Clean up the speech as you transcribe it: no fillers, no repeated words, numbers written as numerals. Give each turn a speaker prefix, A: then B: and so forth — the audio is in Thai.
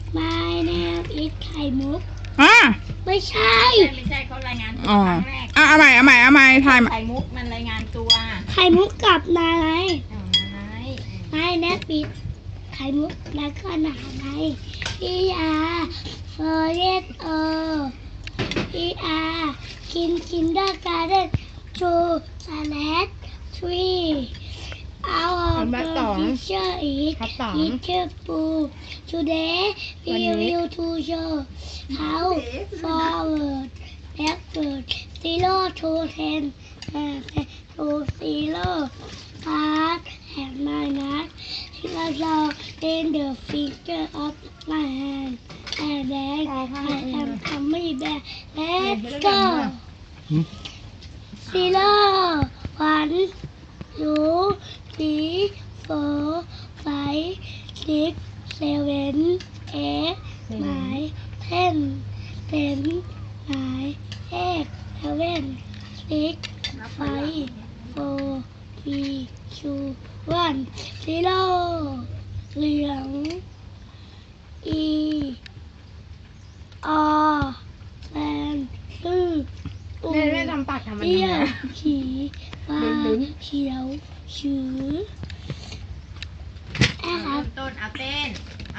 A: My name is ไข่มุก
B: อ่ะ
A: ไม่ใช่
C: ไม่ใช่เขารายงานตัว
B: อ๋อ
C: ครั้งแรก
B: เอาใหม่ถ่ายใหม่
C: ไข่มุกมันรายงานตัว
A: ไข่มุกกับนาย
C: เอานาย
A: My name is ไข่มุกแล้วก็นาย kindergarten 2 slash 3 Our teacher is Mr. Pooh. Today we will to show how forward, backward, 0 to 10, to 0, plus and minus. In the finger of my hand, and then I am coming back. Let's go. 0, 1, 2, 3, 4, 5, 6, 7, 8, 9, 10, 10, 9, 8, 7, 6, 5, 4, 3, 2, 1, 0. เหลือง E R แฟนตื้อปู
C: แม่ทำปากทำมัน
A: เตี้ย
C: ทำไม
A: ขีฟ้าเขียวชื้อ
C: เริ่มต้นเอาเต้น